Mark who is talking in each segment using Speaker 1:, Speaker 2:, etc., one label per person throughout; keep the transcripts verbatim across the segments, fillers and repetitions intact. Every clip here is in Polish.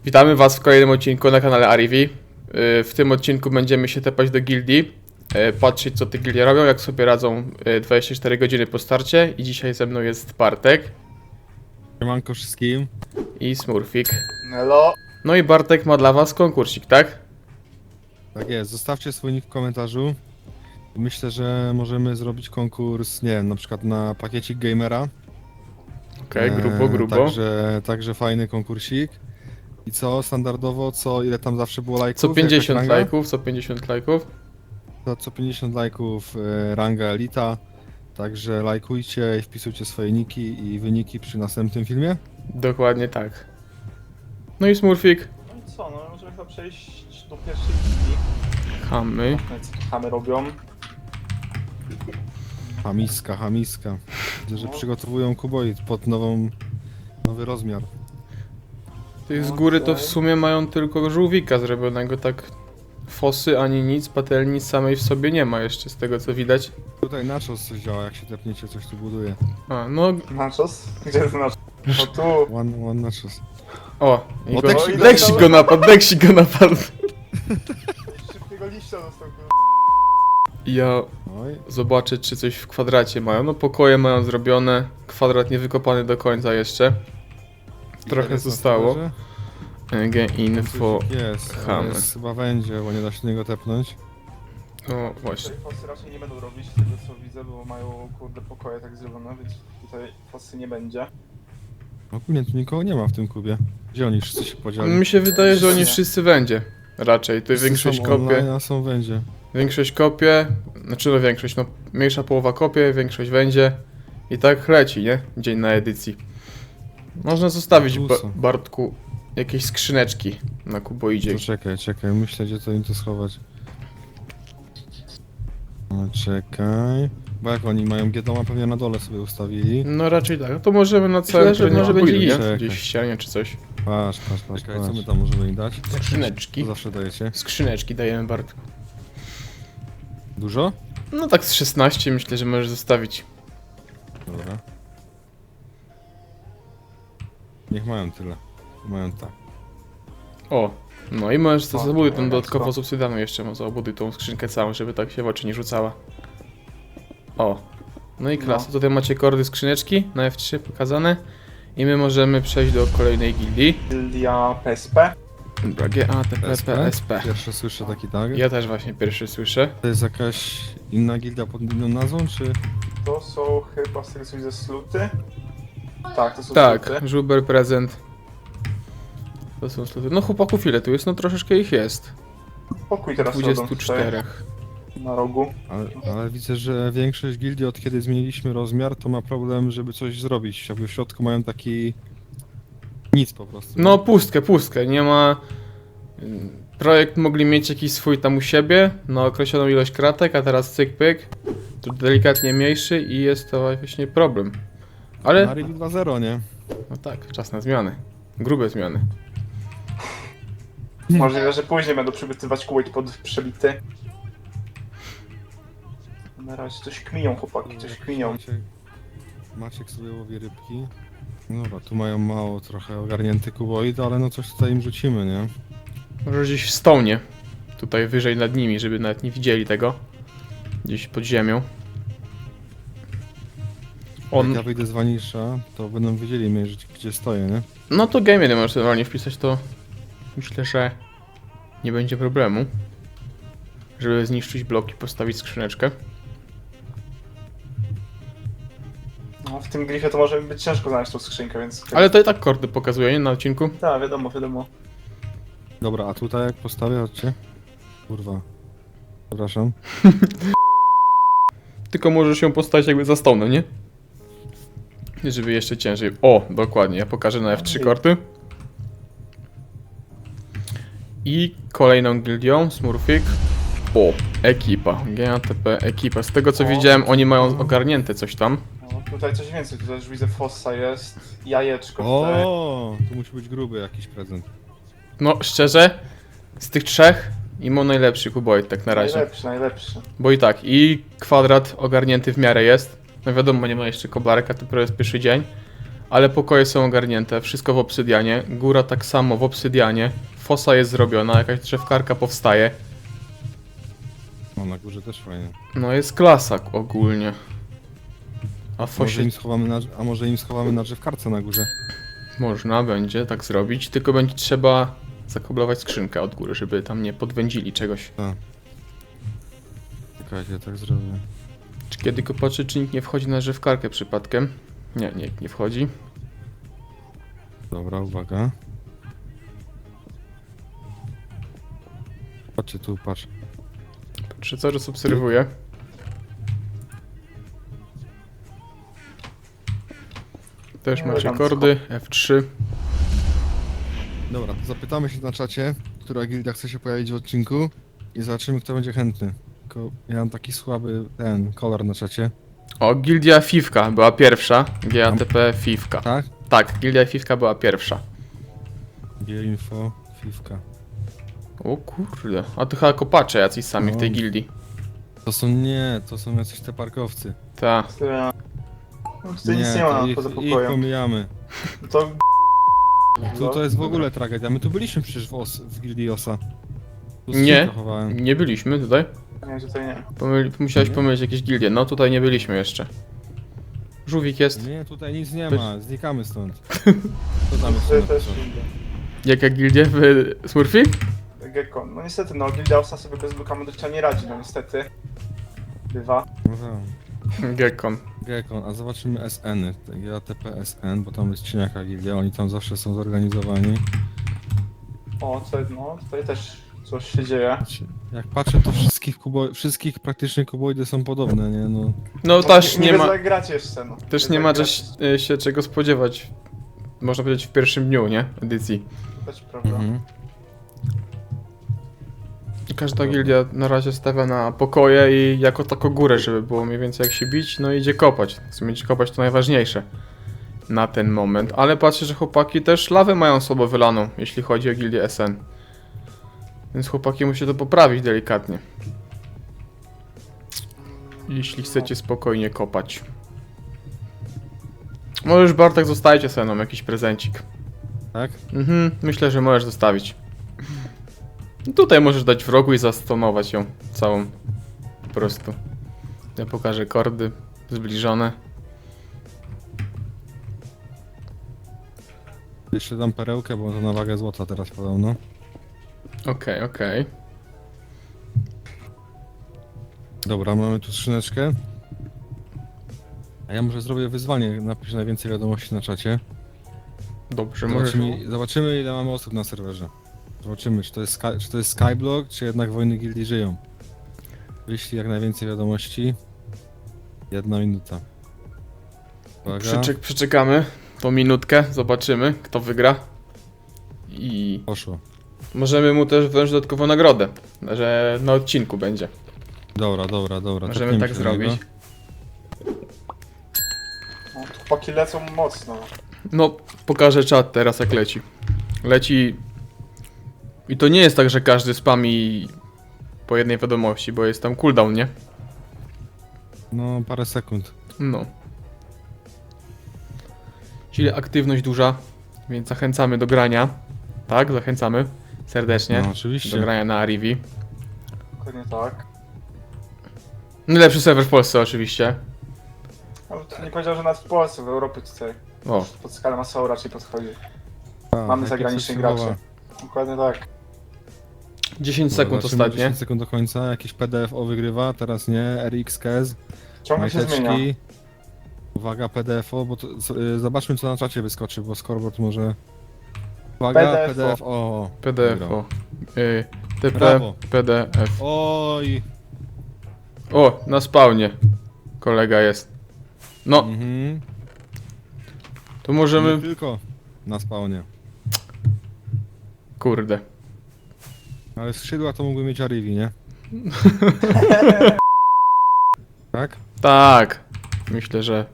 Speaker 1: Witamy was w kolejnym odcinku na kanale Arivi. W tym odcinku będziemy się tepać do gildii, patrzeć co te gildie robią, jak sobie radzą dwadzieścia cztery godziny po starcie. I dzisiaj ze mną jest Bartek
Speaker 2: Siemanko wszystkim.
Speaker 1: i Smurfik.
Speaker 3: Hello.
Speaker 1: No i Bartek ma dla was konkursik, tak?
Speaker 2: Tak jest, zostawcie swój nick w komentarzu. Myślę, że możemy zrobić konkurs, nie wiem, na przykład na pakiecik gamera.
Speaker 1: Okej, okay, grubo, grubo.
Speaker 2: E, także, także fajny konkursik. I co, standardowo, co, ile tam zawsze było lajków?
Speaker 1: Co pięćdziesiąt
Speaker 2: Jakaś ranga?
Speaker 1: lajków, co pięćdziesiąt lajków.
Speaker 2: To co pięćdziesiąt lajków, e, ranga elita. Także lajkujcie i wpisujcie swoje niki i wyniki przy następnym filmie.
Speaker 1: Dokładnie tak. No i Smurfik.
Speaker 3: No i co, no możemy chyba przejść do pierwszej gildii.
Speaker 1: Chamy.
Speaker 3: No i co tu chamy robią?
Speaker 2: Hamiska, hamiska. Widzę, że
Speaker 3: No.
Speaker 2: przygotowują kuboid pod nową, nowy rozmiar.
Speaker 1: Tych z góry to w sumie mają tylko żółwika zrobionego, tak fosy ani nic, patelni samej w sobie nie ma jeszcze z tego co widać.
Speaker 2: Tutaj nachos coś działa, jak się tepniecie, coś tu buduje.
Speaker 1: A, no,
Speaker 3: Nachos? Gdzie jest nachos? O tu.
Speaker 2: One, one nachos.
Speaker 1: o, i
Speaker 2: O,
Speaker 1: go,
Speaker 2: Deksik
Speaker 1: Deksik go napadł, Deksik go napadł.
Speaker 3: Szybkiego liścia dostał.
Speaker 1: Ja
Speaker 2: Oj,
Speaker 1: zobaczę czy coś w kwadracie mają, no pokoje mają zrobione, kwadrat nie wykopany do końca jeszcze. Trochę
Speaker 2: ile jest na
Speaker 1: zostało.
Speaker 2: serwerze?
Speaker 1: E G info,
Speaker 2: Coś Jest,
Speaker 1: chamy.
Speaker 2: ale jest chyba będzie, bo nie da się niego tepnąć.
Speaker 1: no właśnie.
Speaker 3: Tutaj fosy raczej nie będą robić, z tego co widzę, bo mają kurde pokoje tak zrobione, więc tutaj fosy nie będzie.
Speaker 2: Ogólnie tu nikogo nie ma w tym kubie. Gdzie oni wszyscy się podzieli?
Speaker 1: Mi się wydaje, że oni
Speaker 3: Nie.
Speaker 1: wszyscy będzie. Raczej, tu
Speaker 2: Wszyscy
Speaker 1: większość
Speaker 2: są
Speaker 1: kopie.
Speaker 2: online, a są będzie.
Speaker 1: Większość kopie, znaczy no większość, no mniejsza połowa kopie, większość będzie. I tak leci, nie? Dzień na edycji. Można zostawić ba
Speaker 2: Plusa.
Speaker 1: Bartku jakieś skrzyneczki na kuboidzie.
Speaker 2: To czekaj, czekaj, myślę gdzie to im to schować. No czekaj. Bo jak oni mają G-doma pewnie na dole sobie ustawili.
Speaker 1: No raczej tak, no to możemy na całym
Speaker 2: Myślę, że
Speaker 1: pewnie
Speaker 2: może
Speaker 1: będzie
Speaker 2: będzie
Speaker 1: nie?
Speaker 2: czekaj.
Speaker 1: Gdzieś w ścianie czy coś.
Speaker 2: Patrz, patrz, patrz,
Speaker 3: Czekaj,
Speaker 2: patrz.
Speaker 3: co
Speaker 2: Co
Speaker 3: my
Speaker 2: my tam możemy im dać?
Speaker 1: Skrzyneczki.
Speaker 2: Co zawsze dajecie?
Speaker 1: Skrzyneczki dajemy Bartku.
Speaker 2: Dużo?
Speaker 1: No tak z szesnaście myślę, że możesz zostawić.
Speaker 2: Dobra. Niech mają tyle. Mają tak.
Speaker 1: O, no i możesz
Speaker 3: O,
Speaker 1: zabuduj tą
Speaker 3: elegancko.
Speaker 1: dodatkowo z obsydianu jeszcze, może zabuduj tą skrzynkę całą, żeby tak się w oczy nie rzucała. O, no i klasa.
Speaker 3: No.
Speaker 1: Tutaj macie kordy skrzyneczki na F trzy pokazane. I my możemy przejść do kolejnej gildii.
Speaker 3: Gildia P S P.
Speaker 1: Dobra, G A T P P S P.
Speaker 2: Pierwsze słyszę taki tag.
Speaker 1: Ja też właśnie pierwszy słyszę.
Speaker 2: To jest jakaś inna gildia pod inną nazwą, czy?
Speaker 3: To są chyba z tego co widzę sluty. Tak, to są
Speaker 1: Tak,
Speaker 3: sluty.
Speaker 1: żuber prezent. To są sloty. No chłopaków ile tu jest? No troszeczkę ich jest.
Speaker 3: Pokój teraz robią
Speaker 1: dwudziestu czterech.
Speaker 3: tutaj na rogu.
Speaker 2: Ale, ale widzę, że większość gildii od kiedy zmieniliśmy rozmiar, to ma problem, żeby coś zrobić. Jakby w środku mają taki... nic po prostu.
Speaker 1: No pustkę, pustkę. Nie ma... Projekt mogli mieć jakiś swój tam u siebie na określoną ilość kratek, a teraz cyk pyk. Tu delikatnie mniejszy i jest to właśnie problem. Ale...
Speaker 2: Arivi dwa zero, nie?
Speaker 1: No tak, czas na zmiany. Grube zmiany.
Speaker 3: Możliwe, że później będą przybytywać kółek pod przebity. Na razie coś kminią chłopaki, coś kminią.
Speaker 2: Maciek, Maciek sobie łowi rybki. No dobra, tu mają mało trochę ogarnięty kuboid, ale no coś tutaj im rzucimy, nie?
Speaker 1: Może gdzieś w stołnie. Tutaj wyżej nad nimi, żeby nawet nie widzieli tego. Gdzieś pod ziemią. On...
Speaker 2: Jak ja wyjdę z Vanisha, to będą wiedzieli mnie, że- gdzie stoję, nie?
Speaker 1: No to game jeden możesz normalnie wpisać, to myślę, że nie będzie problemu. Żeby zniszczyć blok i postawić skrzyneczkę.
Speaker 3: No, w tym glifie to może być ciężko znaleźć tą skrzynkę, więc...
Speaker 1: Ale to i tak kordy pokazuje, nie? Na odcinku.
Speaker 3: Tak, wiadomo, wiadomo.
Speaker 2: Dobra, a tutaj jak postawię, chodźcie. Kurwa. Przepraszam.
Speaker 1: Tylko możesz ją postawić jakby za stołem, nie? Żeby jeszcze ciężej. O, dokładnie, ja pokażę na F trzy korty. I kolejną gildią, Smurfik. O, ekipa, G A T P, ekipa. Z tego co
Speaker 3: O.
Speaker 1: widziałem, oni mają ogarnięte coś tam.
Speaker 3: No, tutaj coś więcej, tutaj już widzę fossa jest, jajeczko tutaj.
Speaker 2: O, tu musi być gruby jakiś prezent.
Speaker 1: No, szczerze, z tych trzech Imo najlepszy kuboid tak na razie.
Speaker 3: Najlepszy, najlepszy.
Speaker 1: Bo i tak, i kwadrat ogarnięty w miarę jest. No wiadomo, nie ma jeszcze koblarka, to dopiero jest pierwszy dzień. Ale pokoje są ogarnięte, wszystko w obsydianie. Góra tak samo w obsydianie. Fosa jest zrobiona, jakaś drzewkarka powstaje.
Speaker 2: No na górze też fajnie.
Speaker 1: No jest klasa ogólnie. A w
Speaker 2: Może
Speaker 1: fosie
Speaker 2: im schowamy na, a może im schowamy na drzewkarce na górze?
Speaker 1: można będzie tak zrobić, tylko będzie trzeba zakoblować skrzynkę od góry, żeby tam nie podwędzili czegoś.
Speaker 2: Czekajcie, tak zrobię.
Speaker 1: Czy kiedy kopaczy, czy nikt nie wchodzi na drzewkarkę przypadkiem? Nie, nikt nie wchodzi.
Speaker 2: Dobra, uwaga. Patrzcie tu, patrz.
Speaker 1: Czy cały czas obserwuję? Też macie
Speaker 3: Elegancko.
Speaker 1: kordy, F trzy.
Speaker 2: Dobra, to zapytamy się na czacie, która gildia chce się pojawić w odcinku i zobaczymy, kto będzie chętny. Tylko ja mam taki słaby ten kolor na czacie.
Speaker 1: O, Gildia Fifka była pierwsza. G A T P Fifka.
Speaker 2: Tak?
Speaker 1: Tak, Gildia Fifka była pierwsza.
Speaker 2: G-info, fifka.
Speaker 1: O kurde, a to chyba kopacze jacyś sami w tej
Speaker 2: No.
Speaker 1: gildii.
Speaker 2: To są nie, to są jacyś te parkowcy.
Speaker 1: Ta.
Speaker 3: Tyle. No, tutaj nic nie
Speaker 2: to
Speaker 3: ma
Speaker 2: ich,
Speaker 3: poza
Speaker 2: ich
Speaker 3: pokojem.
Speaker 2: pomijamy.
Speaker 3: To...
Speaker 2: To, to jest w ogóle tragedia. My tu byliśmy przecież w, os, w gildii osa. Tu
Speaker 1: Nie.
Speaker 2: skrzynkę chowałem.
Speaker 1: Nie byliśmy tutaj.
Speaker 3: Nie, tutaj nie.
Speaker 1: Pomyli, musiałeś
Speaker 2: Nie?
Speaker 1: pomylić jakieś gildie. No tutaj nie byliśmy jeszcze. Żółwik jest.
Speaker 2: Nie, tutaj nic nie
Speaker 1: Też-
Speaker 2: ma, znikamy stąd. Co tam jest
Speaker 3: Tutaj też
Speaker 2: napisane?
Speaker 3: idzie.
Speaker 1: Jaka gildia w Smurfy?
Speaker 3: Gekon. No niestety, no Gildia Osa sobie bez Luka Modrycza nie radzi, no niestety. Bywa.
Speaker 2: No tak.
Speaker 1: Gekon.
Speaker 2: Gekon, a zobaczymy S N-y. G A T P S N, bo tam jest cieniaka gildia, oni tam zawsze są zorganizowani.
Speaker 3: O, tutaj, no, tutaj też coś się dzieje.
Speaker 2: Znaczy, jak patrzę, to wszystkich, kubo... wszystkich praktycznie kuboidy są podobne, nie? No,
Speaker 1: No też nie ma,
Speaker 3: Nie grać jeszcze, no.
Speaker 1: też nie ma
Speaker 3: zagrać,
Speaker 1: też, y, się czego spodziewać. Można powiedzieć w pierwszym dniu, nie? Edycji.
Speaker 3: Też prawda.
Speaker 2: mhm.
Speaker 1: Każda
Speaker 2: Dobra.
Speaker 1: gildia na razie stawia na pokoje i jako taką górę, żeby było mniej więcej jak się bić, no idzie kopać. W sumie idzie kopać to najważniejsze na ten moment. Ale patrzę, że chłopaki też lawę mają słabo wylaną, jeśli chodzi o gildię S N. Więc chłopaki musi to poprawić delikatnie. Jeśli chcecie spokojnie kopać. Możesz Bartek zostawić S N-om jakiś prezencik.
Speaker 2: Tak?
Speaker 1: Mhm, myślę, że możesz zostawić. Tutaj możesz dać w rogu i zastonować ją całą. Po prostu. Ja pokażę kordy zbliżone.
Speaker 2: Jeszcze dam perełkę, bo to na wagę złota teraz podobno.
Speaker 1: Okej, okej.
Speaker 2: Dobra, mamy tu skrzyneczkę. A ja może zrobię wyzwanie, napisz najwięcej wiadomości na czacie.
Speaker 1: Dobrze, możesz.
Speaker 2: Zobaczymy, zobaczymy ile mamy osób na serwerze. Zobaczymy, czy to jest, Sky, czy to jest Skyblock, czy jednak wojny gildii żyją. Wyślij jak najwięcej wiadomości. Jedna minuta. Uwaga.
Speaker 1: Przyczek, przyczekamy tą minutkę, zobaczymy kto wygra. I
Speaker 2: Poszło.
Speaker 1: możemy mu też wziąć dodatkową nagrodę, że na odcinku będzie.
Speaker 2: Dobra, dobra, dobra.
Speaker 1: Możemy
Speaker 2: tepniemy
Speaker 1: tak
Speaker 2: się do niego.
Speaker 1: zrobić.
Speaker 3: No, tu chłopaki lecą mocno.
Speaker 1: No, pokażę czat teraz jak leci. Leci... I to nie jest tak, że każdy spami po jednej wiadomości, bo jest tam cooldown, nie?
Speaker 2: No, parę sekund.
Speaker 1: No. Czyli aktywność duża, więc zachęcamy do grania. Tak, zachęcamy serdecznie
Speaker 2: No,
Speaker 1: do
Speaker 2: oczywiście.
Speaker 1: grania na Arivi.
Speaker 3: Dokładnie tak.
Speaker 1: Najlepszy serwer w Polsce oczywiście.
Speaker 3: Ale to nie powiedział, że nawet w Polsce, w Europie tutaj.
Speaker 1: O,
Speaker 3: Pod skalę masową raczej podchodzi.
Speaker 2: A,
Speaker 3: Mamy
Speaker 2: jak
Speaker 3: zagranicznych
Speaker 2: jest
Speaker 3: graczy. Dokładnie tak.
Speaker 1: dziesięć
Speaker 2: Dobra,
Speaker 1: sekund
Speaker 2: zobaczymy,
Speaker 1: ostatnie.
Speaker 2: dziesięć sekund do końca, jakiś P D F O wygrywa, teraz nie, R X K S,
Speaker 3: Ciągle się zmienia.
Speaker 2: majteczki. Uwaga, P D F O, bo to, z- y, zobaczmy co na czacie wyskoczy, bo scoreboard może... Uwaga,
Speaker 3: P D F O.
Speaker 2: P D F O.
Speaker 1: P D F
Speaker 2: Wygrał.
Speaker 1: o. Y, T P,
Speaker 2: Brawo.
Speaker 1: P D F.
Speaker 2: Oj!
Speaker 1: O, na spawnie kolega jest. No,
Speaker 2: Mhm.
Speaker 1: to możemy...
Speaker 2: Nie tylko na spawnie.
Speaker 1: Kurde.
Speaker 2: Ale skrzydła to mógłby mieć Arivi, nie? Tak?
Speaker 1: Tak. Myślę, że...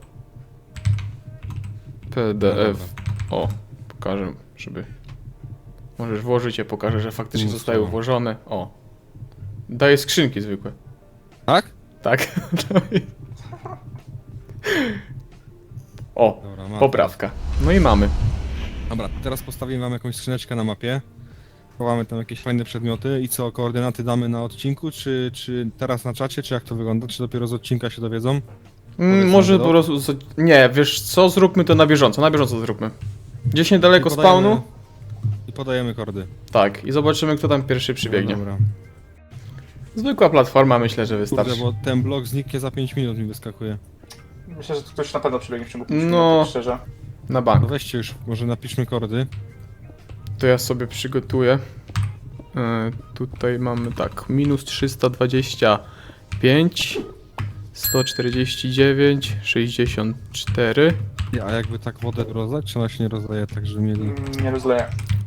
Speaker 1: P D F.
Speaker 2: No
Speaker 1: O, pokażę, żeby... Możesz włożyć je, pokażę, że faktycznie
Speaker 2: Mnóstwo.
Speaker 1: zostały włożone. O. Daję skrzynki zwykłe.
Speaker 2: Tak?
Speaker 1: Tak. O,
Speaker 2: Dobra, ma.
Speaker 1: poprawka. No i mamy.
Speaker 2: Dobra, teraz postawimy wam jakąś skrzyneczkę na mapie. Chowamy tam jakieś fajne przedmioty i co, koordynaty damy na odcinku, czy, czy teraz na czacie, czy jak to wygląda? Czy dopiero z odcinka się dowiedzą?
Speaker 1: Mm,
Speaker 2: Powiedzmy
Speaker 1: może
Speaker 2: to.
Speaker 1: po prostu... z- Nie, wiesz co, zróbmy to na bieżąco, na bieżąco zróbmy. Gdzieś niedaleko
Speaker 2: I podajemy-
Speaker 1: spawnu.
Speaker 2: I podajemy kordy.
Speaker 1: Tak, i zobaczymy kto tam pierwszy przybiegnie.
Speaker 2: No, dobra.
Speaker 1: Zwykła platforma, myślę, że wystarczy.
Speaker 2: Kurde, bo ten blok zniknie za pięć minut mi wyskakuje.
Speaker 3: Myślę, że tu ktoś na pewno przybiegnie w ciągu pięciu
Speaker 1: No.
Speaker 3: minut, tak szczerze.
Speaker 1: Na
Speaker 2: No
Speaker 1: bank.
Speaker 2: weźcie już, może napiszmy kordy.
Speaker 1: To ja sobie przygotuję. E, tutaj mamy tak, minus trzysta dwadzieścia pięć, sto czterdzieści dziewięć, sześćdziesiąt cztery.
Speaker 2: A jakby tak wodę rozlać, czy ona się nie rozdaje tak, żeby mieli...
Speaker 3: Mm, Nie rozleję.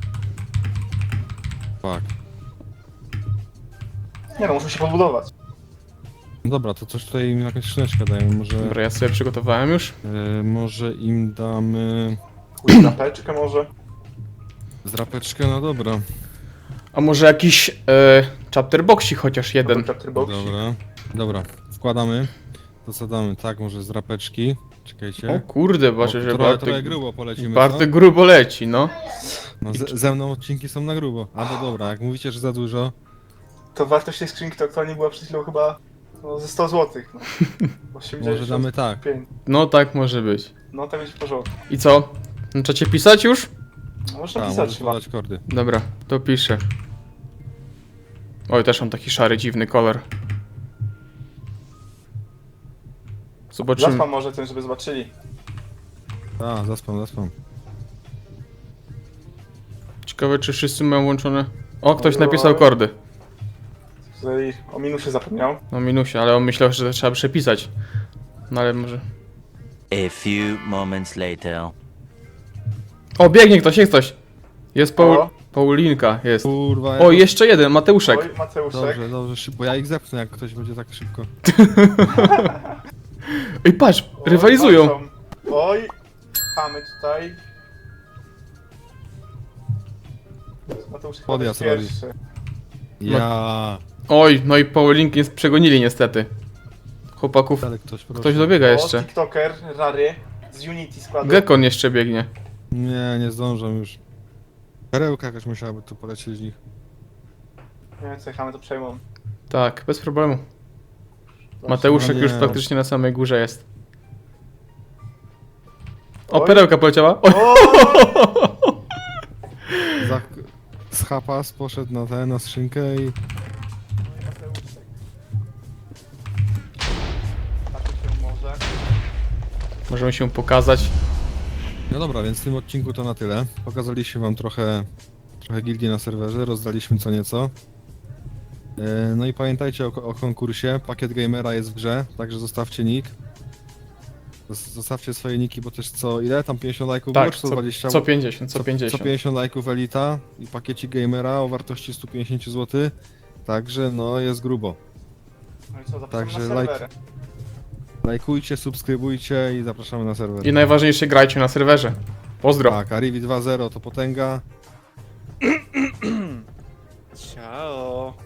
Speaker 2: Fuck.
Speaker 3: Nie no, muszę się podbudować.
Speaker 2: No dobra, to coś tutaj im jakąś skrzyneczkę dajemy, może...
Speaker 1: Dobra, ja sobie przygotowałem już.
Speaker 2: E, może im damy...
Speaker 3: Pójdę na peczkę może.
Speaker 2: Zrapeczkę, no dobra.
Speaker 1: A może jakiś e, chapter boxik chociaż jeden.
Speaker 3: Chapter box.
Speaker 2: Dobra, dobra, wkładamy. To co damy? Tak, może z rapeczki. Czekajcie.
Speaker 1: O kurde, patrzę,
Speaker 2: O,
Speaker 1: że
Speaker 2: trochę, trochę
Speaker 1: Bartek,
Speaker 2: grubo polecimy,
Speaker 1: Bartek
Speaker 2: co?
Speaker 1: grubo leci, no.
Speaker 2: No, z, ze mną odcinki są na grubo. A to dobra, jak mówicie, że za dużo,
Speaker 3: To wartość tej skrzynki to aktualnie była przed chwilą chyba no, ze sto złotych. No. osiemdziesiąt
Speaker 2: może damy tak.
Speaker 3: pięć.
Speaker 1: No tak może być.
Speaker 3: No tak będzie w porządku.
Speaker 1: I co? Na czacie pisać już?
Speaker 3: No, można
Speaker 2: Tak,
Speaker 3: pisać
Speaker 2: możesz
Speaker 3: chyba.
Speaker 2: podać kordy.
Speaker 1: Dobra, to piszę. Oj, też mam taki szary, dziwny kolor. Zobaczymy.
Speaker 3: Zaspam może tym, żeby zobaczyli.
Speaker 2: A, zaspam, zaspam.
Speaker 1: Ciekawe, czy wszyscy mają włączone. O, ktoś
Speaker 3: Oj,
Speaker 1: napisał
Speaker 3: oj.
Speaker 1: kordy.
Speaker 3: Tutaj o minusie zapomniał.
Speaker 1: No minusie, ale on myślał, że to trzeba przepisać. No ale może.
Speaker 4: A few moments later.
Speaker 1: O, biegnie ktoś, jest ktoś. Jest Paul...
Speaker 3: O.
Speaker 1: Paulinka, jest.
Speaker 2: Kurwa,
Speaker 1: O, jeszcze jeden, Mateuszek.
Speaker 3: Oj, Mateuszek.
Speaker 2: Dobrze, dobrze, szybko. Ja ich zepnę, jak ktoś będzie tak szybko.
Speaker 1: Ej, patrz,
Speaker 3: Oj,
Speaker 1: rywalizują.
Speaker 3: walczą. Oj, chamy tutaj. Mateusz chyba
Speaker 2: Podjazd
Speaker 3: jest
Speaker 2: robi.
Speaker 3: pierwszy.
Speaker 2: Ja.
Speaker 1: Oj, no i Paulinki jest przegonili niestety. Chłopaków.
Speaker 2: Ale ktoś proszę.
Speaker 1: Ktoś dobiega
Speaker 3: O,
Speaker 1: jeszcze.
Speaker 3: TikToker, Rary, z Unity składu.
Speaker 1: Gekon jeszcze biegnie.
Speaker 2: Nie, nie zdążę już. Perełka jakaś musiałaby tu polecieć z nich.
Speaker 3: Nie wiem co, chamy to przejmą.
Speaker 1: Tak, bez problemu.
Speaker 3: Dobrze.
Speaker 1: Mateuszek
Speaker 2: no
Speaker 1: już
Speaker 2: nie.
Speaker 1: praktycznie na samej górze jest. O,
Speaker 3: Oj.
Speaker 1: perełka poleciała. Oj.
Speaker 3: O!
Speaker 2: Za... Z hapas poszedł na tę, na skrzynkę i...
Speaker 3: Mateuszek. Tak się może.
Speaker 1: Możemy się pokazać.
Speaker 2: No dobra, więc w tym odcinku to na tyle. Pokazaliśmy wam trochę, trochę gildii na serwerze, rozdaliśmy co nieco. E, No i pamiętajcie o, o konkursie, pakiet gamera jest w grze, także zostawcie nick. Zos- Zostawcie swoje niki, bo też co, ile? Tam pięćdziesiąt lajków było?
Speaker 1: Tak,
Speaker 2: czy
Speaker 1: co,
Speaker 2: sto dwadzieścia?
Speaker 1: co pięćdziesiąt, co
Speaker 2: Co
Speaker 1: pięćdziesiąt.
Speaker 2: pięćdziesiąt lajków Elita i pakieci gamera o wartości sto pięćdziesiąt złotych. Także no jest grubo.
Speaker 3: No i co, zapraszamy
Speaker 2: Także
Speaker 3: na
Speaker 2: like-
Speaker 3: serwery.
Speaker 2: Lajkujcie, subskrybujcie i zapraszamy na serwer.
Speaker 1: I najważniejsze, grajcie na serwerze. Pozdro.
Speaker 2: Tak, Arivi dwa zero to potęga.
Speaker 3: Ciao.